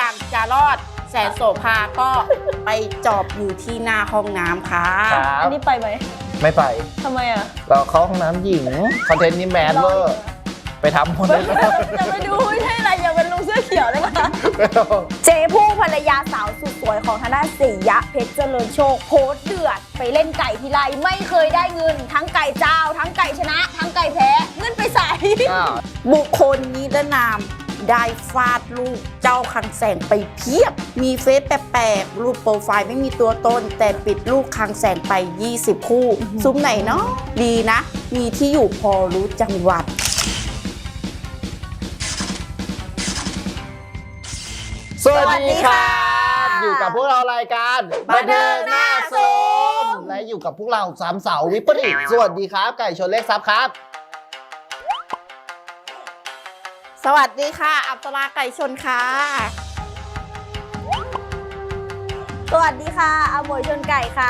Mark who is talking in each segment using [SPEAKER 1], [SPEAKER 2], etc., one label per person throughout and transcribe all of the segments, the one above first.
[SPEAKER 1] ากจะรอดแสนโสภาก็ไปจอบอยู่ที่หน้าห้องน้ำค่ะ
[SPEAKER 2] อันนี้ไปไหม
[SPEAKER 3] ไม่ไป
[SPEAKER 2] ทำไมอ่ะ
[SPEAKER 3] เราเข้าห้องน้ำหญิงคอนเทนต์นี้แมสเวอร์ไปทำคอนเทนต์
[SPEAKER 2] จะไปดูไม่ใช่อะไรอย่าเป็นลุงเสื้อเขียวได้ปะเจ๊ผู้ภรรยาสาวสุดสวยของทางด้านศรียะเพชรเจริญโชคโพสต์เดือดไปเล่นไก่ทีไรไม่เคยได้เงิน ทั้งไก่เจ้า ทั้งไก่ชนะ ทั้งไก่แพ้เงินไปใส่
[SPEAKER 1] บุคคลนิรนามได้ฟาดลูกเจ้าคังแสงไปเพียบ มีเฟซแปลกๆรูปโปรไฟล์ไม่มีตัวตน แต่ปิดลูกคังแสงไป 20 คู่ ซุ้มไหนเนาะดีนะ มีที่อยู่พอรู้จังหวัด
[SPEAKER 3] สวัสดีครับ อยู่กับพวกเรารายการ
[SPEAKER 1] บันเทิงหน้าซุ้ม
[SPEAKER 3] และอยู่กับพวกเราสามสาววิปริตสวัสดีครับ ไก่ชนเล็กซับครับ
[SPEAKER 1] สวัสดีค่ะ อัปสราไก่ชนค่ะ
[SPEAKER 2] สวัสดีค่ะอาหมวยชนไก่ค่ะ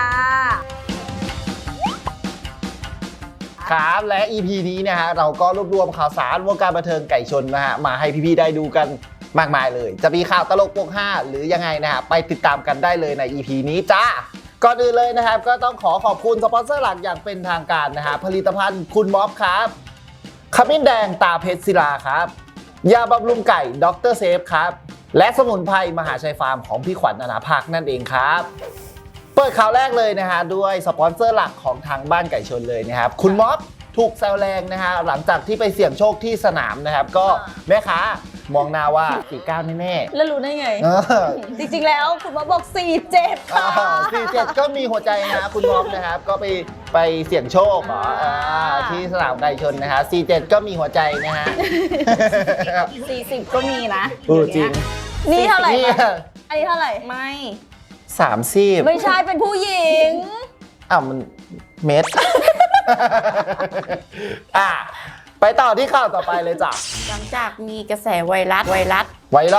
[SPEAKER 3] ครับและ EP นี้นะฮะเราก็รวบรวมข่าวสารวงการบันเทิงไก่ชนนะฮะมาให้พี่ๆได้ดูกันมากมายเลย จะมีข่าวตลกโปกห้าหรือยังไงนะฮะไปติดตามกันได้เลยใน EP นี้จ้าก่อนอื่นเลยนะครับก็ต้องขอบคุณสปอนเซอร์หลักอย่างเป็นทางการนะฮะผลิตภัณฑ์คุณม็อบครับขมิ้นแดงตาเพชรศิลาครับยาบำรุงไก่ดรเซฟครับและสมุนไพรมหาชัยฟาร์มของพี่ขวัญอนาภาคนั่นเองครับเปิดข่าวแรกเลยนะฮะด้วยสปอนเซอร์หลักของทางบ้านไก่ชนเลยนะครับคุณม็อบถูกแซวแรงนะฮะหลังจากที่ไปเสี่ยงโชคที่สนามนะครับก็แม่ค้ามองหน้าว่า49แน่ๆ
[SPEAKER 2] แล้วรู้ได้ไง จริงๆแล้วคุณมาบอก 47 ค่ะ
[SPEAKER 3] 47 ก็มีหัวใจนะคุณม็อบนะครับก็ไปเสี่ยงโชคที่สนามไก่ชนนะฮะ47 ก็มีหัวใจนะฮะ
[SPEAKER 1] 40 ก็มีนะ
[SPEAKER 3] จริง
[SPEAKER 2] นี่เท่าไหร่
[SPEAKER 3] นี่
[SPEAKER 2] คะอันนี้เท่าไหร่
[SPEAKER 1] ไม่
[SPEAKER 3] 30
[SPEAKER 2] ไม่ใช่เป็นผู้หญิง
[SPEAKER 3] อ้าวมันเม็ด ไปต่อที่ข่าวต่อไปเลยจ้ะ
[SPEAKER 1] หลังจากมีกระแสไวรัส
[SPEAKER 3] ไวรัล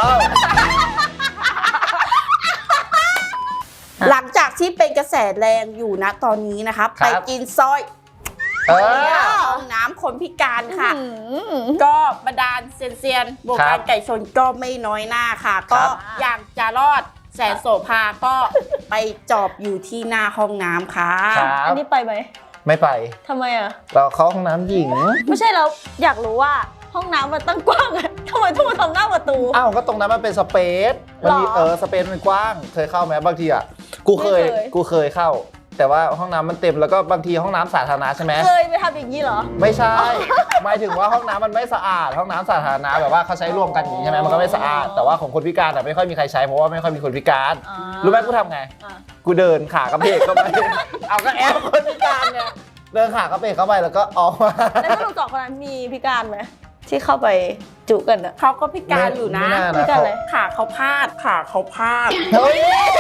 [SPEAKER 1] หลังจากที่เป็นกระแสแรงอยู่นะตอนนี้นะคะไปกินซอยห้องน้ำคนพิการค่ะ ก็บรรดาลเซียนๆวงการไก่ชนก็ไม่น้อยหน้าค่ะ ก็อยากจะรอดแสนโสภาก็ไปจอบอยู่ที่หน้าห้องน้ำค่ะ
[SPEAKER 2] อันนี้ไปไหม
[SPEAKER 3] ไม่ไป
[SPEAKER 2] ทำไมอ่ะ
[SPEAKER 3] เราเข้าห้องน้ำหญิง
[SPEAKER 2] ไม่ใช่เราอยากรู้ว่าห้องน้ำมันตั้งกว้างอะทำไมต้องมาทำหน้าประตู
[SPEAKER 3] อ้าวก็ตรงนั้นมันเป็นสเปซมันมี
[SPEAKER 2] หรอ
[SPEAKER 3] สเปซมันกว้างเคยเข้าไหมบางทีอ่ะกูเคยเข้า แต่ว่าห้องน้ำมันเต็มแล้วก็บางทีห้องน้ำสาธารณะใช่ไหม
[SPEAKER 2] เคยไปทำอย่างนี้เหรอ
[SPEAKER 3] ไม่ใช่ หมายถึงว่าห้องน้ำมันไม่สะอาดห้องน้ำสาธารณะแบบว่าเขาใช้ร่วมกันอย่างนี้ใช่ไหมมันก็ไม่สะอาดแต่ว่าของคนพิการแต่ไม่ค่อยมีใครใช้เพราะว่าไม่ค่อยมีคนพิการ รู้ไหมกูทำไง กูเดินขากระเพกเข้าไป เอาก็แอบคนพิการไงเดินขากระเพกเข้าไปแล้วก็ออกมา
[SPEAKER 2] แล้วสรุปสองคนนั้นมีพิการไหมที่เข้าไปจุกันอะ
[SPEAKER 1] เขาก็พิการอยู่นะ
[SPEAKER 3] ไม่น่า
[SPEAKER 2] พิ
[SPEAKER 3] นะ
[SPEAKER 2] การอะไร
[SPEAKER 1] ขาเขาพาดขาเขาพาด
[SPEAKER 3] เฮ้ย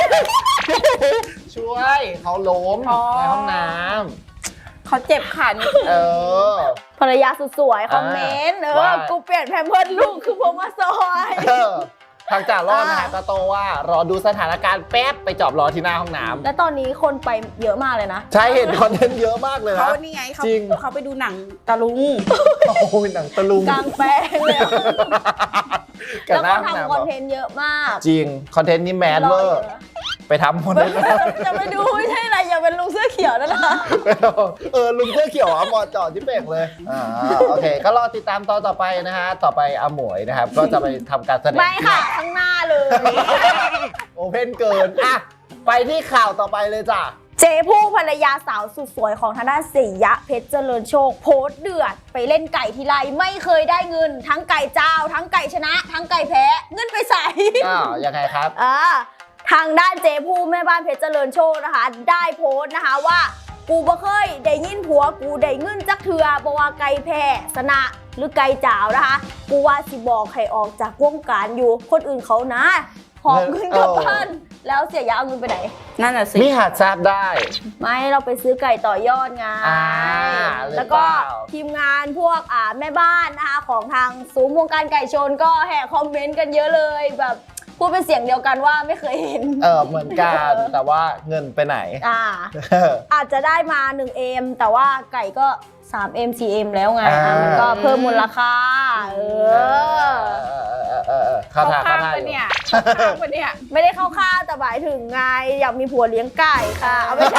[SPEAKER 3] ช่วยเขาล้ม
[SPEAKER 1] อ๋อ
[SPEAKER 3] ในห้องน้
[SPEAKER 1] เขาเจ็บขานิด
[SPEAKER 3] ำ
[SPEAKER 1] นึง
[SPEAKER 2] ภรรยาสุดสวยคอมเมนต์
[SPEAKER 3] ว่า
[SPEAKER 2] กูเปลี่ยนแพมเพิร์สลูกคือผมมาซอย
[SPEAKER 3] ทางจ่ารอดนะฮะตาโตว่ารอดูสถานการณ์แป๊บไปจอบรอที่หน้าห้องน้ำ
[SPEAKER 2] และตอนนี้คนไปเยอะมากเลยนะ
[SPEAKER 3] ใช่เห็นคอนเทนต์เยอะมากเลย
[SPEAKER 1] เขา
[SPEAKER 3] นะ
[SPEAKER 1] นี่ไง
[SPEAKER 3] จริง
[SPEAKER 1] เขาไปดูหนังตะลุง
[SPEAKER 3] โอ้โหหนังตะลุง
[SPEAKER 2] กลางแปลงเลย
[SPEAKER 3] กับ
[SPEAKER 2] แล้ว
[SPEAKER 3] หน้า
[SPEAKER 2] ก็
[SPEAKER 3] ห้อง
[SPEAKER 2] ทำคอน
[SPEAKER 3] น้ำ
[SPEAKER 2] เทนต์เยอะมาก
[SPEAKER 3] จริงคอนเทนต์นี้แมสเวอร์ไปทำคอนเทนต์
[SPEAKER 2] จะไปดูไม่ใช่อะไรอย่าเป็นลุงเสื้อเขียวนั่นนะ
[SPEAKER 3] ลุงเสื้อเขียวเหมาะเจาะที่เป่งเลยโอเคก็รอติดตามตอนต่อไปนะฮะต่อไปอาหมวยนะครับก็จะไปทำการแสดง
[SPEAKER 2] ไม่ค่ะข้างหน้าเลย
[SPEAKER 3] โอเพนเกินอ่ะไปที่ข่าวต่อไปเลยจ้ะ
[SPEAKER 2] เจ๊ผู้ภรรยาสาวสุดสวยของทางด้านศรียะเพชรเจริญโชคโพสต์เดือดไปเล่นไก่ทีไรไม่เคยได้เงิน ทั้งไก่เจ้า ทั้งไก่ชนะ ทั้งไก่แพ้เงินไปใส่
[SPEAKER 3] ยังไงครับ
[SPEAKER 2] ทางด้านเจ๊ผู้แม่บ้านเพชรเจริญโชคนะคะ ได้โพสต์นะคะว่ากูบ่เคยได้ยินผัวกูได้เงินจักเถื่อบ่ว่าไก่แพ้ชนะหรือไก่จ้าวนะคะกูว่าสิบอกให้ออกจากวงการอยู่คนอื่นเขานะหอบเงินกลับบ้านแล้วเสียยาเอาเงินไปไหน
[SPEAKER 1] นั่นน่ะสิ
[SPEAKER 3] มีหาดทราบได้
[SPEAKER 2] ไม่เราไปซื้อไก่ต่อยอดไง
[SPEAKER 3] หรือ
[SPEAKER 2] แล้วก็
[SPEAKER 3] เปล่า
[SPEAKER 2] ทีมงานพวกแม่บ้านนะคะของทางศูนย์วงการไก่ชนก็แห่คอมเมนต์กันเยอะเลยแบบพูดเป็นเสียงเดียวกันว่าไม่เคยเห็น
[SPEAKER 3] เหมือนกันแต่ว่าเงินไปไหน
[SPEAKER 2] อาจจะได้มา1 เอมแต่ว่าไก่ก็ 3M 4M แล้วไง
[SPEAKER 3] อ่า
[SPEAKER 2] มันก็เพิ่มมูลค่า
[SPEAKER 3] เข้า
[SPEAKER 1] เข้า
[SPEAKER 3] ท่า
[SPEAKER 1] ข้าง
[SPEAKER 3] เข้าท่า
[SPEAKER 1] ปะ
[SPEAKER 3] อยู่
[SPEAKER 1] เนี่ยเข้าข้างปะเนี่ย
[SPEAKER 2] ไม่ได้เข้าข้างแต่หมายถึงไงอยากมีผัวเลี้ยงไก่ค่ะเอาไม่ใช่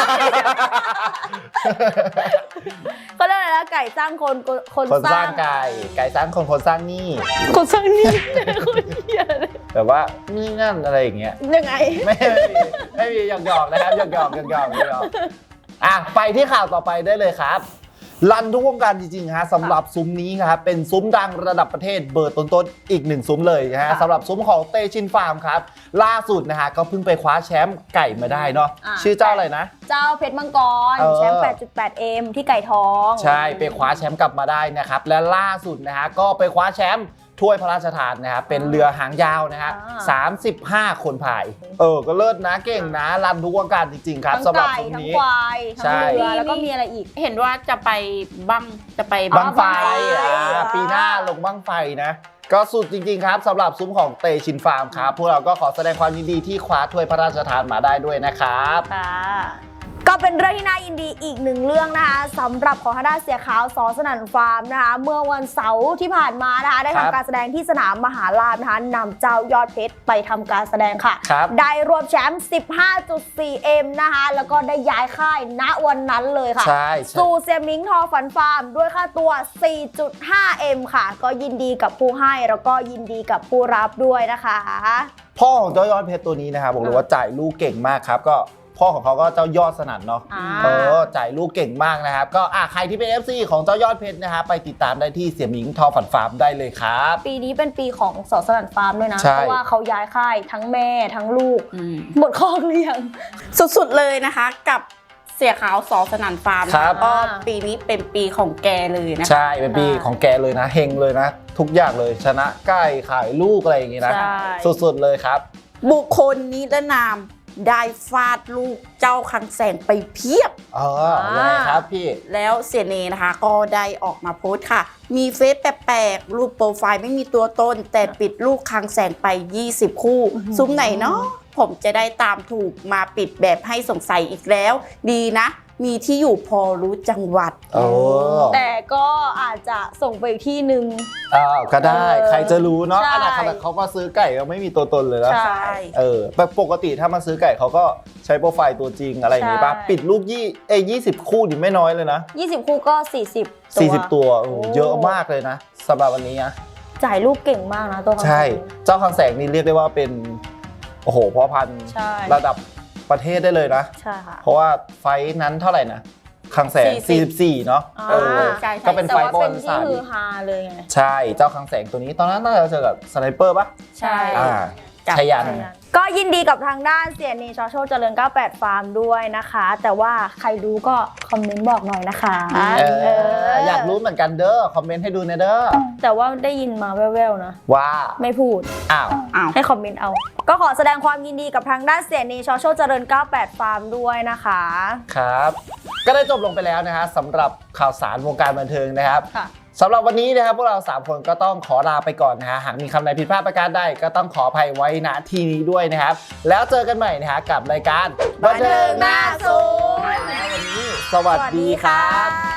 [SPEAKER 2] เขาเรียกอะไรนะไก่สร้างคน
[SPEAKER 3] คนสร้างไก่สร้างคนสร้างหนี่
[SPEAKER 2] คนสร้างนี่คนเหี้ยเลย
[SPEAKER 3] แบบว่านี่นั่นอะไรอย่างเงี้ย
[SPEAKER 2] ยังไง
[SPEAKER 3] ไม่มีหยอกๆนะครับหยอกอ่ะไปที่ข่าวต่อไปได้เลยครับลั่นทุกวงการจริงๆฮะสำหรับซุ้มนี้ครับเป็นซุ้มดังระดับประเทศเบอร์ต้นๆอีกหนึ่งซุ้มเลยนะฮะสำหรับซุ้มของเตชินฟาร์มครับล่าสุดนะฮะก็เพิ่งไปคว้าแชมป์ไก่มาได้เนาะชื่อเจ้าอะไรนะ
[SPEAKER 2] เจ้าเพชรมังกรแชมป์ 8.8M ที่ไก่ทอง
[SPEAKER 3] ใช่ไปคว้าแชมป์กลับมาได้นะครับและล่าสุดนะฮะก็ไปคว้าแชมป์ถ้วยพระราชทานนะครับเป็นเรือหางยาวนะฮะ35 คนพายก็เลิศนะเก่งนะรันทุกวงการจริงๆครับ
[SPEAKER 2] ทั้ง
[SPEAKER 3] สำหรับ
[SPEAKER 2] ไก่
[SPEAKER 3] ซุ้ม
[SPEAKER 2] ทั้ง
[SPEAKER 3] นี้
[SPEAKER 2] ควายทั้งเรือ
[SPEAKER 1] ใช่
[SPEAKER 2] แล้วก็มีอะไรอีก
[SPEAKER 1] เห็นว่าจะไปบัง
[SPEAKER 3] บังไฟ
[SPEAKER 2] อ๋อ
[SPEAKER 3] ปีหน้าลงบังไฟนะก็สุดจริงๆครับสำหรับซุ้มของเตชินฟาร์มครับพวกเราก็ขอแสดงความยินดีที่คว้าถ้วยพระราชทานมาได้ด้วยนะครับ
[SPEAKER 2] ค่ะก็เป็นเรื่องที่น่ายินดีอีกหนึ่งเรื่องนะคะสำหรับของทางด้านเสียขาวสอสนั่นฟาร์มนะคะเมื่อวันเสาร์ที่ผ่านมานะคะได้
[SPEAKER 3] ครับ
[SPEAKER 2] ทำการแสดงที่สนามมหาลาภนะคะนำเจ้ายอดเพชรไปทำการแสดงค่ะ
[SPEAKER 3] ครับ
[SPEAKER 2] ได้รวมแชมป์ 15.4M นะคะแล้วก็ได้ย้ายค่ายณวันนั้นเลยค่ะ
[SPEAKER 3] ใช่
[SPEAKER 2] สู่เซียมิงทอฝันฟาร์มด้วยค่าตัว 4.5M ค่ะ ก็ยินดีกับผู้ให้แล้วก็ยินดีกับผู้รับด้วยนะคะ
[SPEAKER 3] พ่อของเจ้ายอดเพชรตัวนี้นะครับบอกเลยว่าจ่ายลูกเก่งมากครับก็พ่อของเขาก็เจ้ายอดสนั่นเนาะ จ่ายลูกเก่งมากนะครับก็ใครที่เป็น FC ของเจ้ายอดเพชรนะฮะไปติดตามได้ที่เสี่ยหมิงทอฝันฟาร์มได้เลยครับ
[SPEAKER 2] ปีนี้เป็นปีของสอสนันฟาร์มด้วยนะ
[SPEAKER 3] ใช่
[SPEAKER 2] เพราะว่าเขาย้ายค่ายทั้งแม่ทั้งลูก หมดคอกเลี้ยง
[SPEAKER 1] สุดๆเลยนะคะกับเสียขาวสอสนั่นฟาร์ม
[SPEAKER 3] ครับ
[SPEAKER 1] ก็ปีนี้เป็นปีของแกเลยนะคะ
[SPEAKER 3] ใช่เป็นปีของแกเลยนะเฮงเลยนะ ทุกอย่างเลยชนะใกล้ขายลูกอะไรอย่างงี้นะ
[SPEAKER 1] ใช่
[SPEAKER 3] สุดๆเลยครับ
[SPEAKER 1] บุคคลนิรนามได้ฟาดลูกเจ้าคังแสงไปเพียบ
[SPEAKER 3] ยังไงครับพี่
[SPEAKER 1] แล้วเสียเนนะคะก็ได้ออกมาโพสต์ค่ะ มีเฟซแปลกๆ รูปโปรไฟล์ไม่มีตัวตน แต่ปิดลูกคังแสงไป 20 คู่ ซุ้มไหนเนาะผมจะได้ตามถูกมาปิดแบบให้สงสัยอีกแล้ว ดีนะ มีที่อยู่พอรู้จังหวัด
[SPEAKER 2] แต่ก็อาจจะส่งไปอีกที่หนึ่ง
[SPEAKER 3] ก็ได้ใครจะรู้เนาะ
[SPEAKER 2] ใช่
[SPEAKER 3] ขนาดเขามาซื้อไก่ก็ไม่มีตัวตนเลยนะ
[SPEAKER 2] ใช่
[SPEAKER 3] แบบปกติถ้ามาซื้อไก่เขาก็ใช้โปรไฟล์ตัวจริงอะไรอย่างงี้ป่ะ
[SPEAKER 2] ใช่
[SPEAKER 3] ปิดลูก20 คู่นี่ไม่น้อยเลยนะ
[SPEAKER 2] 20 คู่ก็ 40
[SPEAKER 3] ตัวโอ้โหเยอะมากเลยนะสำหรับวันนี้นะ
[SPEAKER 2] จ่ายลูกเก่งมากนะตัวเขา
[SPEAKER 3] ใช่เจ้าคังแสงนี่เรียกได้ว่าเป็นโอ้โหพ่อพันธุ์
[SPEAKER 2] ใช่
[SPEAKER 3] ระดับประเทศได้เลยนะ
[SPEAKER 2] ใช่ค่ะ
[SPEAKER 3] เพราะว่าไฟท์นั้นเท่าไหร่นะคังแสง 44 เนาะ
[SPEAKER 1] ใช่
[SPEAKER 3] ก็เป็น
[SPEAKER 2] แต่
[SPEAKER 3] ไฟ
[SPEAKER 2] ว่า
[SPEAKER 3] ท์ประ
[SPEAKER 2] เป็
[SPEAKER 3] วัน ติ
[SPEAKER 2] ที่
[SPEAKER 3] ศาสตร์
[SPEAKER 2] ฮือฮาเลยไง
[SPEAKER 3] ใช่เจ้าคังแสงตัวนี้ตอนนั้นน่าจะเจอกับสไนเปอร์ปะ
[SPEAKER 1] ใช่
[SPEAKER 3] ชยัน
[SPEAKER 2] ก็ยินดีกับทางด้านเสียเนชอโชคเจริญ 98 ฟาร์มด้วยนะคะ แต่ว่าใครรู้ก็คอมเมนต์บอกหน่อยนะคะ
[SPEAKER 3] อยากรู้เหมือนกันเด้อคอมเมนต์ให้ดูนะเด้อ
[SPEAKER 2] แต่ว่าได้ยินมาแว่วๆนะ
[SPEAKER 3] ว่า
[SPEAKER 2] ไม่พูด
[SPEAKER 3] อ้าว
[SPEAKER 2] ให้คอมเมนต์เอา ก็ขอแสดงความยินดีกับทางด้านเสียเนชอโชคเจริญ 98 ฟาร์มด้วยนะคะ
[SPEAKER 3] ครับ ก็ได้จบลงไปแล้วนะฮะสำหรับข่าวสารวงการบันเทิงนะครับ
[SPEAKER 2] ค่ะ
[SPEAKER 3] สำหรับวันนี้นะครับพวกเรา3คนก็ต้องขอลาไปก่อนนะฮะหากมีคำใดผิดพลาดประการใดก็ต้องขออภัยไว้ณที่นี้ด้วยนะครับแล้วเจอกันใหม่นะฮะกับรายการบันเทิงหน้าศูนย์วันนี้สวัสดีครับ